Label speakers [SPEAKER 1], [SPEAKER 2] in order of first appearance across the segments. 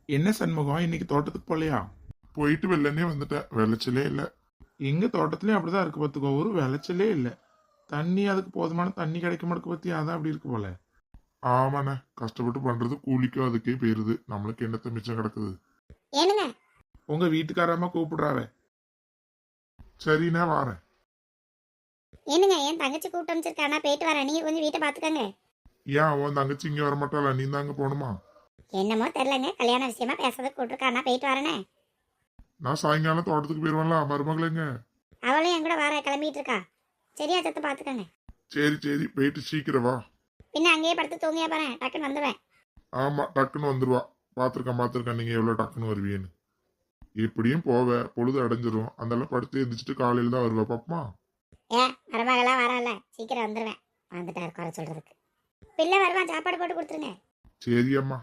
[SPEAKER 1] என்ன சண்முகம், இன்னைக்கு தோட்டத்துக்கு போகலையா?
[SPEAKER 2] போயிட்டு வெள்ளனே வந்துட்டேன். விளைச்சலே இல்ல.
[SPEAKER 1] எங்க தோட்டத்துலயும் அப்படிதான் இருக்கு பார்த்துக்கோ, ஒரு விளைச்சலே இல்லை. தண்ணி அதுக்கு போதுமான தண்ணி கிடைக்க மாட்டேக்கு பத்தி, அதான் அப்படி இருக்கு போல.
[SPEAKER 2] ஆமாண்ணே, கஷ்டப்பட்டு பண்றது கூலிக்கும் அதுக்கே போயிருது. நம்மளுக்கு என்னத்த மிச்சம் கிடக்குது.
[SPEAKER 3] ஏனுங்க,
[SPEAKER 1] உங்க வீட்டுக்காரமா கூப்பிடுறாவ.
[SPEAKER 2] சரிண்ணே, வாரேன்.
[SPEAKER 3] ஏனுங்க, என் தங்கச்சி கூப்பிட்டு அமைச்சிருக்கானா, போயிட்டு வரேன். நீங்க கொஞ்சம் வீட்டை பாத்துக்கங்க.
[SPEAKER 2] ஏன் உன் தங்கச்சி இங்க வரமாட்டாளா? நீ தாங்க போகணுமா?
[SPEAKER 3] என்னமோ தெரியலங்க, கல்யாண விஷயமா பேசுறதுக்கு கூப்பிட்டுருக்கானா, போயிட்டு வரேனே.
[SPEAKER 2] நான் சாயங்காலம் தோட்டத்துக்கு போயிருவேன்ல, மருமகளேங்க.
[SPEAKER 3] அவளும் என் கூட வர கிளம்பிட்டு இருக்கா. சரியா சத்த பாத்துக்கங்க.
[SPEAKER 2] சரி சரி, போயிட்டு சீக்கிரம் வா.
[SPEAKER 3] பின்ன அங்கேயே படுத்து தூங்கியா பாரு, டக்குன்னு வந்துடுவேன்.
[SPEAKER 2] ஆமா, டக்குன்னு வந்துருவா. பாத்திருக்கேன் நீங்க எவ்வளவு டக்குன்னு வருவீன்னு. எப்படியும் போவ, பொழுது அடைஞ்சிரும். அதெல்லாம் படுத்து எந்திரிச்சிட்டு காலையில தான் வருவா. பாப்பமா.
[SPEAKER 3] மருமகளா வரல, சீக்கிரம் வந்துடுவேன். வந்துட்டாரு குறை சொல்றதுக்கு. பிள்ளை வருவான், சாப்பாடு போட்டு கொடுத்துருங்க.
[SPEAKER 2] சரி அம்மா.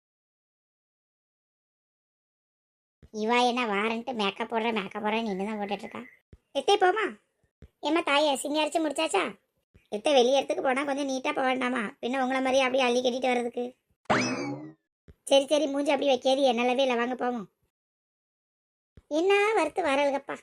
[SPEAKER 3] இவா என்ன வாரன்ட்டு மேக்கப் போடுறேன் இன்னும் போட்டுட்டு இருக்கா. எத்தே போமா. ஏம்மா தாயை சிங்காரிச்சு முடிச்சாச்சா? எத்த வெளியே இடத்துக்கு போனா கொஞ்சம் நீட்டா போக வேண்டாமா? பின்ன உங்களை மாதிரி அப்படியே அள்ளி கட்டிட்டு வர்றதுக்கு. சரி சரி, மூஞ்சி அப்படி வைக்காது, என்னலவே இல்லை. வாங்க போவோம். என்ன வறுத்து வரல்கப்பா.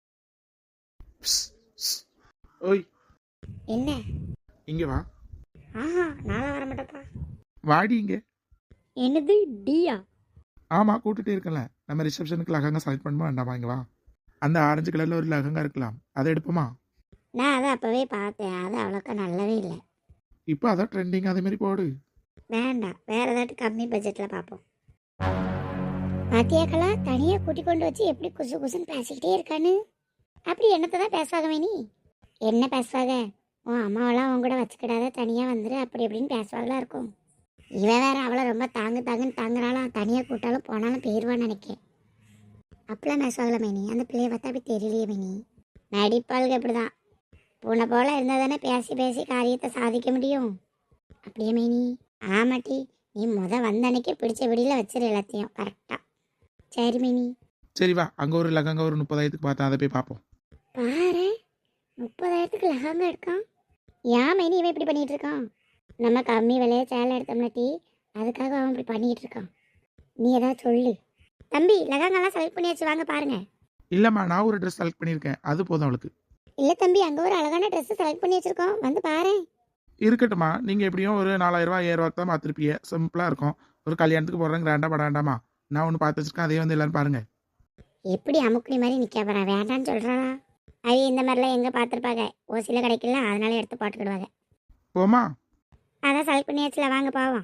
[SPEAKER 1] ஓய்,
[SPEAKER 3] என்ன?
[SPEAKER 1] இங்க வா.
[SPEAKER 3] ஆஹா, நாளா வர மாட்டப்பா.
[SPEAKER 1] வாடி இங்க.
[SPEAKER 3] என்னது டியா?
[SPEAKER 1] ஆமா, கூட்டிட்டு இருக்கல. நம்ம ரிசப்ஷனுக்கு லகங்கா செலக்ட் பண்ணுமா வேண்டாமா? இங்க வா. அந்த ஆரஞ்சு கலர்ல ஒரு லகங்கா இருக்கலாம், அதை எடுப்போமா?
[SPEAKER 3] நான் அதை அப்பவே பார்த்தேன், அது அவ்வளோக்கா நல்லாவே இல்லை.
[SPEAKER 1] இப்போ அதான் ட்ரெண்டிங், அதே மாதிரி போடு.
[SPEAKER 3] வேண்டாம், வேற ஏதாட்டு கம்மி பட்ஜெட்டில் பார்ப்போம். பாத்தியாக்களா, தனியாக கூட்டி கொண்டு வச்சு எப்படி குசு குசுன்னு பேசிக்கிட்டே இருக்கான்னு. அப்படி என்னத்தை தான் பேசுவாங்க வேணி? என்ன பேசுவாங்க? உன் அம்மாவெல்லாம் உன் கூட வச்சுக்கிடாத, தனியாக வந்துரு, அப்படி எப்படின்னு பேசுவாங்களா இருக்கும். இவன் வேற அவளை ரொம்ப தாங்குன்னு தாங்குறாளாம். தனியாக கூட்டாலும் போனாலும் போயிடுவான்னு நினைக்கிறேன். அப்பெல்லாம் பேசுவாங்களா மேனி? அந்த பிள்ளைய பார்த்தா அப்படி தெரியலையே மேனி. நடிப்பாளுக்கு அப்படிதான். பூனை போல இருந்தால் தானே பேசி பேசி காரியத்தை சாதிக்க முடியும். அப்படியே மேனி? ஆமாட்டி, நீ வந்த அன்னைக்கே பிடிச்ச விடியில் வச்சிரு எல்லாத்தையும் கரெக்டாக. சரி மேனி.
[SPEAKER 1] சரி வா, அங்க ஒரு லகங்கா ஒரு 30,000க்கு பார்த்தா, அதை போய் பார்ப்போம்.
[SPEAKER 3] பாரு, 30,000க்கு லெஹங்கா எடுக்கான். ஏன் மேனி இவன் இப்படி பண்ணிட்டு இருக்கான்? நம்ம கம்மி விலையை சேலை எடுத்தோம்னாட்டி அதுக்காக அவன் இப்படி பண்ணிட்டு இருக்கான். நீ ஏதாவது சொல்லு. தம்பி, லெஹங்காலாம் செலக்ட் பண்ணியாச்சு, வாங்க பாருங்க.
[SPEAKER 1] இல்லம்மா, நான் ஒரு ட்ரெஸ் செலக்ட் பண்ணியிருக்கேன், அது போதும் அவளுக்கு.
[SPEAKER 3] இல்லை தம்பி, அங்கே ஒரு அழகான ட்ரெஸ் செலக்ட் பண்ணி வச்சிருக்கோம், வந்து பாரு.
[SPEAKER 1] இருக்கட்டும்மா, நீங்க எப்படியும் ஒரு 4,000 5,000 தான் பார்த்துருப்பீங்க. சிம்பிளா இருக்கும். ஒரு கல்யாணத்துக்கு போடுறேன், கிராண்டா பட வேண்டாமா? நான் ஒன்று பார்த்து வச்சிருக்கேன், அதே வந்து எல்லாரும் பாருங்க.
[SPEAKER 3] எப்படி அமுக்குனி மாதிரி நிற்க போகிறேன், வேண்டான்னு சொல்கிறாளா? அது இந்த மாதிரிலாம் எங்கே பார்த்துருப்பாங்க, ஓசியில் கிடைக்கல, அதனால எடுத்து போட்டுக்கிடுவாங்க.
[SPEAKER 1] போமா.
[SPEAKER 3] அதான் செலக்ட் பண்ணியாச்சுல, வாங்க போவோம்.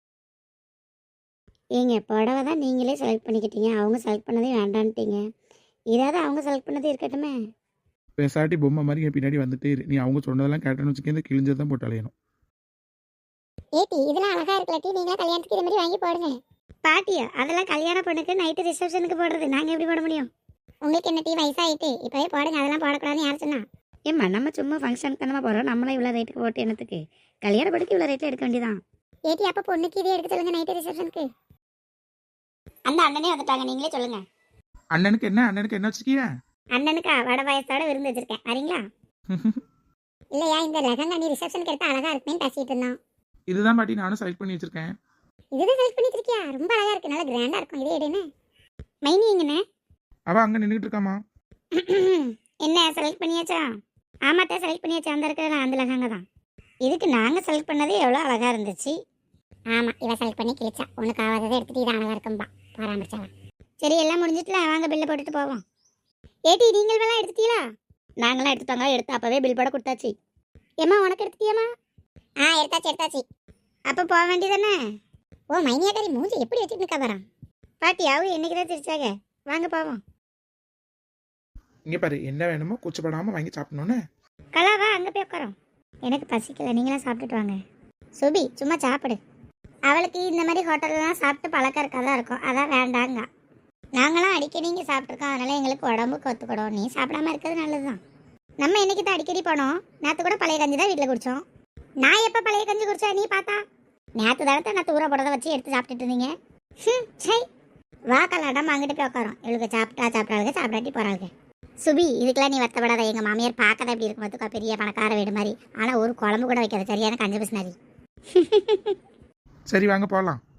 [SPEAKER 3] ஏங்க, புடவை தான் நீங்களே செலக்ட் பண்ணிக்கிட்டீங்க, அவங்க செலக்ட் பண்ணதே வேண்டான்ட்டீங்க. இதாவது அவங்க செலக்ட் பண்ணதே இருக்கட்டுமே.
[SPEAKER 1] பேசாட்டி பொம்மை மாதிரி என் பின்னாடி வந்துட்டே இரு. நீ அவங்க சொன்னதெல்லாம் கேட்டேன்னு வச்சுக்க, இந்த கிழிஞ்சதான் போட்டு அலையணும்.
[SPEAKER 3] ஏட்டி, இதெல்லாம் அழகா இருக்கலாட்டி நீங்களா கல்யாணத்துக்கு இது மாதிரி வாங்கி போடுங்க. பாட்டியா? அதெல்லாம் கல்யாண பொண்ணுக்கு நைட்டு ரிசப்ஷனுக்கு போடுறது, நாங்கள் எப்படி போட முடியும்? உங்களுக்கு என்ன டீ வயசாயிட்டு இப்போவே போடுங்க, அதெல்லாம் போடக்கூடாதுன்னு யார் சொன்னா?
[SPEAKER 4] ஏம்மா, நம்ம சும்மா ஃபங்க்ஷனுக்கு தானே போகிறோம், நம்மளாம் இவ்வளோ ரேட்டுக்கு போட்டு என்னத்துக்கு? கல்யாண படிக்க இவ்வளோ ரேட்டில் எடுக்க வேண்டியதான்.
[SPEAKER 3] ஏட்டி, அப்போ பொண்ணுக்கு இதே எடுக்க சொல்லுங்க நைட்டு ரிசப்ஷனுக்கு. அந்த அண்ணனே வந்துட்டாங்க, நீங்களே சொல்லுங்க.
[SPEAKER 1] அண்ணனுக்கு என்ன வச்சிருக்கிய?
[SPEAKER 3] அண்ணனுக்கா வடை பாயசத்தோட விருந்து வச்சிருக்கேன், வரீங்களா? இல்லையா, இந்த லெஹங்கா நீ ரிசப்ஷனுக்கு எடுத்தா அழகா இருக்குன்னு பேசிட்டு இருந்தோம்.
[SPEAKER 1] இதுதான் பாட்டி, நானும் செலக்ட் பண்ணி வச்சிருக்கேன்.
[SPEAKER 3] இதுதான் செலக்ட் பண்ணிட்டு இருக்கியா? ரொம்ப அழகா இருக்கு, நல்லா கிராண்டா இருக்கும். இதே எடுன்னு. மைனி எங்கண்ணே?
[SPEAKER 1] அவ அங்க நின்றுட்டு இருக்காமா.
[SPEAKER 3] என்ன செலக்ட் பண்ணியாச்சா? ஆமாட்டா, செலக்ட் பண்ணியாச்சா. அந்த இருக்கிற அந்த லெஹங்கா தான். இதுக்கு நாங்கள் செலக்ட் பண்ணதே எவ்வளோ அழகா இருந்துச்சு. ஆமாம், இவ செலக்ட் பண்ணி கிழிச்சா. உனக்கு ஆகாததை எடுத்துட்டு இது அழகா இருக்கும்பா, பராமரிச்சாவா. சரி, எல்லாம் முடிஞ்சிட்டுல, வாங்க பில்லை போட்டுட்டு போவோம். ஏட்டி, நீங்கள் வேணா எடுத்துட்டீங்களா?
[SPEAKER 4] நாங்களாம் எடுத்துட்டாங்க, எடுத்து அப்போவே பில் போட கொடுத்தாச்சு.
[SPEAKER 3] ஏம்மா, உனக்கு எடுத்துட்டியாம்மா? எடுத்தாச்சு. அப்போ போக வேண்டியதானே? ஓ மைனியாக்காரி, மூஞ்சி எப்படி வச்சுட்டு இருக்கா பாரா. பாட்டி, அவங்க என்னைக்கு தான் சிரிச்சாங்க. வாங்க போவோம்.
[SPEAKER 1] இங்க பாரு, என்ன வேணுமோ கூச்சப்படாம வாங்கி சாப்பிடணும்னு.
[SPEAKER 3] கலாவா, அங்கே போய் உட்காரோம். எனக்கு பசிக்கல, நீங்களாம் சாப்பிட்டுட்டு வாங்க. சுபி, சும்மா சாப்பிடு. அவளுக்கு இந்த மாதிரி ஹோட்டல்லாம் சாப்பிட்டு பழக்கம் இருக்காதான் இருக்கும், அதான் வேண்டாங்க. நாங்களாம் அடிக்கடி இங்கே சாப்பிட்ருக்கோம், அதனால எங்களுக்கு உடம்புக்கு ஒத்துக்கிடும். நீ சாப்பிடாம இருக்கிறது நல்லது தான். நம்ம என்னைக்கு தான் அடிக்கடி போனோம்? நேற்று கூட பழைய கஞ்சி தான் வீட்டில் குடித்தோம். நான் எப்போ பழைய கஞ்சி குடிச்சா நீ பார்த்தா? நேற்று தடத்தை நான் தூர போடுறத வச்சு எடுத்து சாப்பிட்டுட்டு இருந்தீங்க. சரி, வா கலாட்டம் அங்கிட்டு போய் உட்காரோம். இவளுக்கு சாப்பிட்டாளுக்கு சாப்பிடாட்டி போகிறாளுக்கு. சுபி, இதுக்கெல்லாம் நீ வருத்தப்படாத. எங்கள் மாமியார் பார்க்கதான் இப்படி இருக்கும் பார்த்துக்கோ, பெரிய பணக்கார வீடு மாதிரி. ஆனால் ஒரு குழம்பு கூட வைக்காது, சரியான கஞ்சி பிசினாரி.
[SPEAKER 1] சரி, வாங்க போகலாம்.